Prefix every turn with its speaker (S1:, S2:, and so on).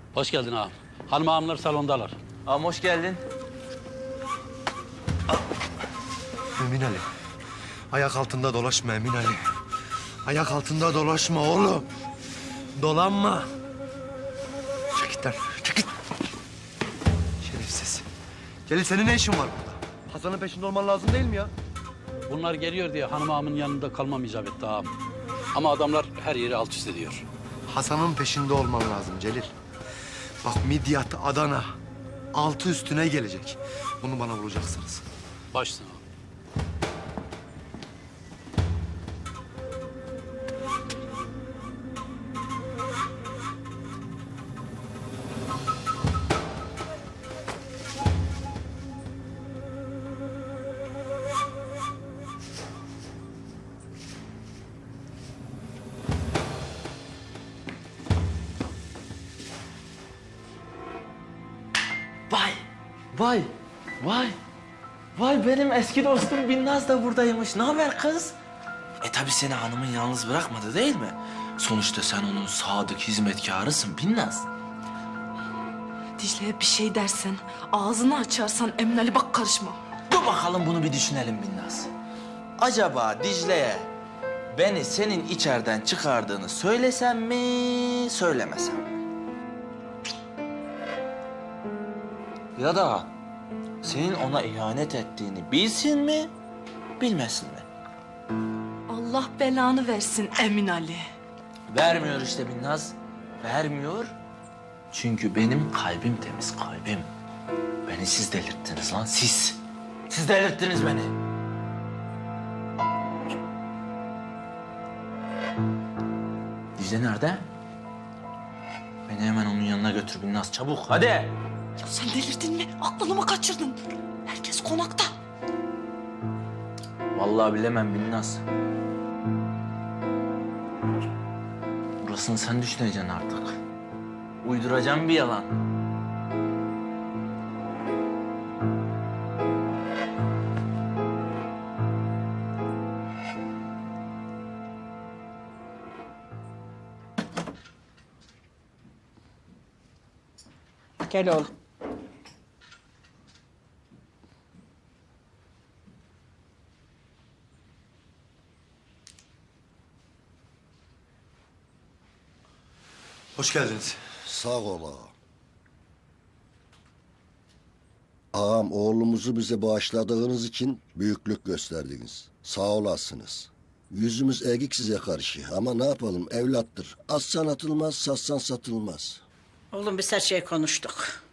S1: Hoş geldin ağam. Hanım ağamlar salondalar.
S2: Ağam hoş geldin.
S3: Emin Ali. Ayak altında dolaşma Emin Ali. Ayak altında dolaşma oğlum. Dolanma. Çek git lan, çek git. Şerefsiz. Celil senin ne işin var burada? Hasan'ın peşinde olman lazım değil mi ya?
S1: Bunlar geliyor diye hanım ağamın yanında kalmam icap etti ağam. Ama adamlar her yeri alt üst ediyor.
S3: Hasan'ın peşinde olman lazım Celil. Bak Midyat, Adana altı üstüne gelecek. Bunu bana vuracaksınız.
S1: Başsın ağam.
S2: Vay, vay, vay. Vay benim eski dostum Binnaz da buradaymış. Ne haber kız? Tabii seni hanımın yalnız bırakmadı değil mi? Sonuçta sen onun sadık hizmetkarısın Binnaz.
S4: Dicle'ye bir şey dersen, ağzını açarsan Emin Ali bak karışma.
S2: Dur bakalım bunu bir düşünelim Binnaz. Acaba Dicle'ye beni senin içeriden çıkardığını söylesem mi, söylemesem mi? Ya da senin ona ihanet ettiğini bilsin mi, bilmesin mi?
S4: Allah belanı versin Emin Ali.
S2: Vermiyor işte Binnaz, vermiyor. Çünkü benim kalbim temiz, kalbim. Beni siz delirttiniz lan, siz. Siz delirttiniz beni. Dicle nerede? Beni hemen onun yanına götür Binnaz, çabuk hadi.
S4: Ya sen delirdin mi? Aklını mı kaçırdın? Herkes konakta.
S2: Vallahi bilemem Binnaz. Burasını sen düşüneceksin artık. Uyduracağım bir yalan.
S5: Gel oğlum.
S3: Hoş geldiniz.
S6: Sağ ol ağam. Ağam oğlumuzu bize bağışladığınız için büyüklük gösterdiniz. Sağ olasınız. Yüzümüz eğik size karşı ama ne yapalım evlattır. Assan atılmaz, satsan satılmaz.
S5: Oğlum biz her şeyi konuştuk.